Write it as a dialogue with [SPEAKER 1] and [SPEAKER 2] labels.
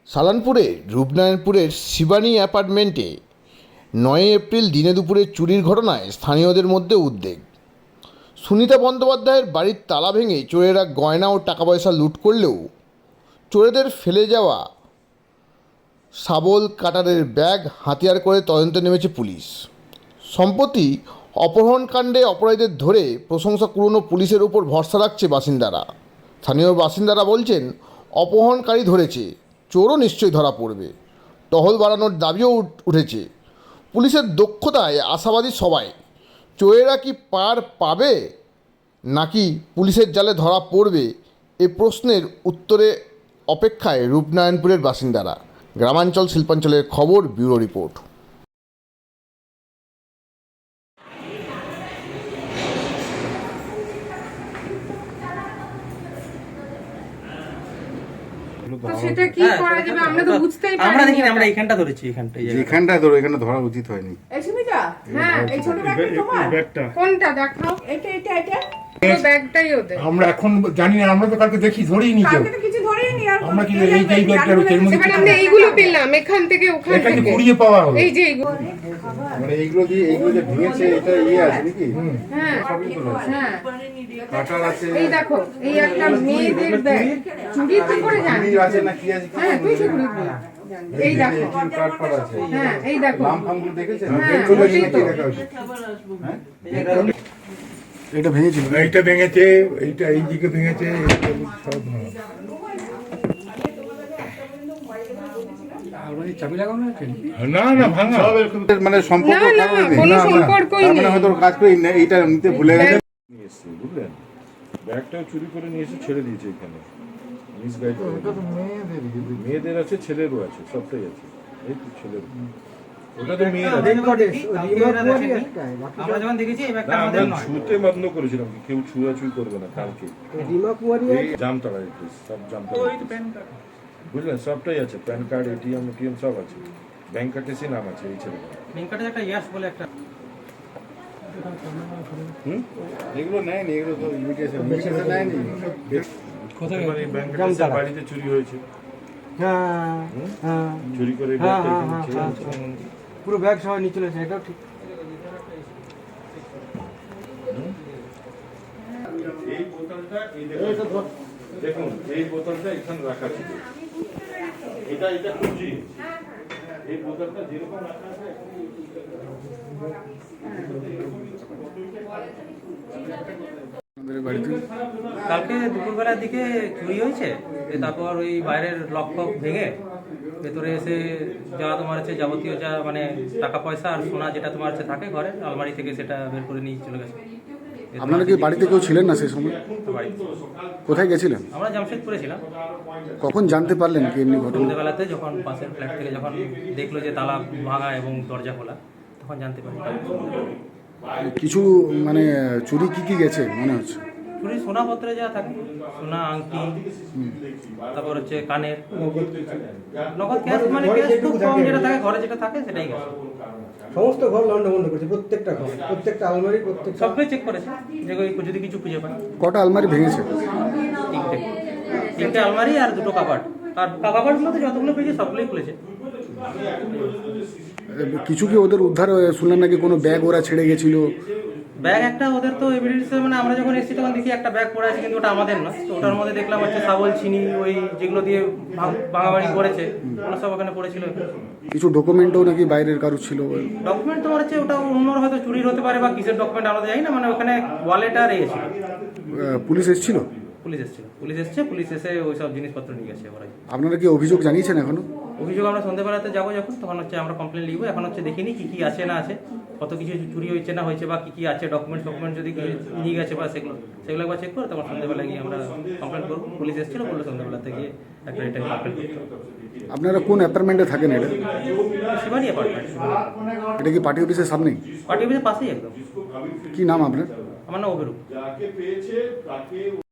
[SPEAKER 1] সালানপুরের রূপনারায়ণপুরের শিবানী অ্যাপার্টমেন্টে ৯ এপ্রিল দিনে দুপুরে চুরির ঘটনায় স্থানীয়দের মধ্যে উদ্বেগ। সুনিতা বন্দ্যোপাধ্যায়ের বাড়ির তালা ভেঙে চোরেরা গয়না ও টাকা পয়সা লুট করলেও চোরেদের ফেলে যাওয়া শাবল কাটারের ব্যাগ হাতিয়ার করে তদন্তে নেমেছে পুলিশ। সম্প্রতি অপহরণকাণ্ডে অপরাধীদের ধরে প্রশংসা কুড়োনো পুলিশের উপর ভরসা রাখছে বাসিন্দারা। স্থানীয় বাসিন্দারা বলছেন, অপহরণকারী ধরেছে, চোরও নিশ্চয়ই ধরা পড়বে। টহল বাড়ানোর দাবিও উঠেছে। পুলিশের দক্ষতায় আশাবাদী সবাই। চোরেরা কি পার পাবে নাকি পুলিশের জালে ধরা পড়বে, এ প্রশ্নের উত্তরে অপেক্ষায় রূপনারায়ণপুরের বাসিন্দারা। গ্রামাঞ্চল শিল্পাঞ্চলের খবর, ব্যুরো রিপোর্ট।
[SPEAKER 2] সেটা কি করা যাবে আমরা তো বুঝতেই পারি
[SPEAKER 3] আমরা দেখিনি, আমরা এইখানটা ধরেছি,
[SPEAKER 4] এখানটা ধরো, এখানে ধরা উচিত হয়নি।
[SPEAKER 2] এই সুমিতা, হ্যাঁ এই ছোট ব্যাগটা তোমার কোনটা দেখাও? এটা এটা এটা পুরো ব্যাগটাই ওদের।
[SPEAKER 5] আমরা এখন জানি না, আমরা তো কালকে দেখি ধরেই নি কেউ।
[SPEAKER 2] কালকে তো কিছু ধরেই নি। আর
[SPEAKER 5] আমরা কি এই ব্যাগটা এর মধ্যে
[SPEAKER 2] মানে আমরা এইগুলো পেলাম এখান থেকে ওখান
[SPEAKER 5] এটা কি
[SPEAKER 2] থেকে
[SPEAKER 5] কুড়িয়ে পাওয়া হলো?
[SPEAKER 2] এই যে এইগুলো,
[SPEAKER 4] মানে এইগুলো যে ভেঙেছে, এটা আছে নাকি?
[SPEAKER 2] হ্যাঁ হ্যাঁ
[SPEAKER 4] কাটার আছে,
[SPEAKER 2] এই দেখো, এই একটা মেয়েদের ব্যাগ চুরি তো করে জানি
[SPEAKER 4] চুড়ি আছে না কি আছে?
[SPEAKER 2] হ্যাঁ তুই চুরি এই দেখো,
[SPEAKER 4] কাট পাড়া আছে।
[SPEAKER 2] হ্যাঁ এই দেখো,
[SPEAKER 4] নাম ফামগুলো দেখেছেন?
[SPEAKER 2] হ্যাঁ,
[SPEAKER 4] চলে
[SPEAKER 2] ওটাই
[SPEAKER 4] গেছে,
[SPEAKER 2] তো।
[SPEAKER 4] দেখা উচিত। এটা ভেঙেছিল,
[SPEAKER 5] এইটা ভেঙেছে, এইটা এই দিকে ভেঙেছে, এইটা সব ভাঙা। না না ভাঙা,
[SPEAKER 4] মানে সম্পর্ক
[SPEAKER 2] না, না,
[SPEAKER 4] কারণে
[SPEAKER 2] কোনো সম্পর্কই
[SPEAKER 4] তার মানে
[SPEAKER 2] নেই।
[SPEAKER 4] হয়তো ওর কাজ করে এইটা নিতে ভুলে গেছে।
[SPEAKER 6] নিয়ে এসছে, বুঝলেন? ব্যাগটাও চুরি করে নিয়ে এসে ছেড়ে দিয়েছে এখানে, মিসগাইড করে। মেয়েদের আছে, ছেলেরও আছে, সবটাই আছে। এই তো ছেলের, ওটা তো মেয়ের আছে।
[SPEAKER 3] আমরা যখন দেখেছি এই ব্যাগটা
[SPEAKER 6] না,
[SPEAKER 3] আমাদের
[SPEAKER 6] আমরা
[SPEAKER 3] নয়।
[SPEAKER 6] ছুঁতে বন্ধ করেছিলাম, কেউ ছুঁয়াছুঁই করবে না কালকে। এই জামতলা, সব জামতলা, বুঝলেন? সবটাই আছে, প্যান কার্ড, এটিএম সব আছে, ব্যাংক অ্যাকাউন্টে নাম আছে এই ছেলেটা।
[SPEAKER 3] লিঙ্কটা একটা ইয়াস বলে একটা
[SPEAKER 4] এগুলো নেয়নি, এগুলো তো ইমিটেশন নেয়নি।
[SPEAKER 6] মানে ব্যাংক অ্যাকাউন্টে বাড়িতে চুরি হয়েছে, চুরি করে ব্যাগটা এখানে ছেড়ে দিয়েছে।
[SPEAKER 7] পুরো ব্যাগ সবাই নিয়ে চলেছে, এটাও ঠিক।
[SPEAKER 6] এই বোতলটা, এই দেখুন, এই বোতলটা এখানে রাখা ছিল, এটা খুঁজি। এই বোতলটা যেরকম রাখা আছে,
[SPEAKER 3] কালকে দুপুরবেলার দিকে চুরি হয়েছে। তারপর ওই বাইরের লক ফক ভেঙে ভেতরে এসে যা তোমার হচ্ছে যাবতীয় যা মানে টাকা পয়সা আর সোনা যেটা তোমার হচ্ছে থাকে ঘরে আলমারি থেকে, সেটা বের করে নিয়ে চলে গেছে।
[SPEAKER 4] আপনারা কি বাড়িতে কেউ ছিলেন না সেই সময়?
[SPEAKER 3] বাড়িতে
[SPEAKER 4] কোথায় গেছিলেন?
[SPEAKER 3] আমরা জামশেদপুরে ছিলাম।
[SPEAKER 4] কখন জানতে পারলেন কি এমনি ঘটনা?
[SPEAKER 3] সন্ধ্যেবেলাতে যখন পাশের ফ্ল্যাট থেকে যখন দেখলো যে তালা ভাঙা এবং দরজা খোলা, তখন জানতে পারি।
[SPEAKER 4] কিছু মানে চুরি কি গেছে মনে হচ্ছে?
[SPEAKER 3] চুরি সোনাপত্রে যা থাকে, সোনা, আংটি, তারপর হচ্ছে কানের, নগদ ক্যাশ, মানে ক্যাশ খুব কম যেটা থাকে ঘরে, যেটা থাকে সেটাই গেছে।
[SPEAKER 7] সমস্ত ঘর লন্ডা বন্ধ করেছে, প্রত্যেকটা ঘর, প্রত্যেকটা আলমারি, প্রত্যেকটা
[SPEAKER 3] সবটাই চেক করেছে, যে যদি কিছু খুঁজে পায়।
[SPEAKER 4] কটা আলমারি ভেঙেছে?
[SPEAKER 3] তিনটে আলমারি আর দুটো কাবার্ড, আর কাবার্ডগুলোতে যতগুলো পেয়েছে সবগুলোই খুলেছে।
[SPEAKER 4] কিছু কি ওদের উদ্ধার শুনলাম নাকি কোনো ব্যাগ ওরা ছেড়ে গেছিল?
[SPEAKER 3] ব্যাগ একটা ওদের তো এভিডেন্স, মানে আমরা যখন এসেছি তখন দেখি একটা ব্যাগ পড়ে আছে, কিন্তু ওটা আমাদের না। তো ওটার মধ্যে দেখলাম হচ্ছে শাবল, চিনি, ওই যেগুলো দিয়ে ভাঙাভাঙি করেছে, ওরা সব ওখানে পড়েছিল।
[SPEAKER 4] কিছু ডকুমেন্টও নাকি বাইরের কারো ছিল?
[SPEAKER 3] ডকুমেন্ট তোমার হচ্ছে ওটা অন্যর হয়তো চুরির হতে পারে, বা কিসের ডকুমেন্ট আমরা জানি না। মানে ওখানে ওয়ালেট আর এসেছিল।
[SPEAKER 4] পুলিশ এসেছিল?
[SPEAKER 3] পুলিশ এসছে, পুলিশ এসে ওই সব জিনিসপত্র নিয়ে গেছে ওরাই।
[SPEAKER 4] আপনারা কি অভিযোগ জানিয়েছেন এখনো?
[SPEAKER 3] অভিযোগ আমরা সন্ধ্যেবেলাতে যাবো যখন, তখন হচ্ছে আমরা কমপ্লেন লিখবো। এখন হচ্ছে দেখিনি কি আছে না আছে, কত কিছু চুরি হয়েছে না হয়েছে, বা কি আছে ডকুমেন্ট যদি নিয়ে গেছে বা সেগুলো একবার চেক করে তখন সন্ধ্যেবেলায় গিয়ে আমরা কমপ্লেন করবো। পুলিশ এসেছিল, বললো সন্ধ্যেবেলাতে গিয়ে একটা রিটার্ন কমপ্লেন করতে।
[SPEAKER 4] আপনারা কোন অ্যাপার্টমেন্টে থাকেন? এটা
[SPEAKER 3] শিবানী অ্যাপার্টমেন্ট।
[SPEAKER 4] এটা কি পার্টি অফিসের সামনেই?
[SPEAKER 3] পার্টি অফিসের পাশেই একদম।
[SPEAKER 4] কি নাম আপনার?
[SPEAKER 3] আমার নাম অভিরূপ।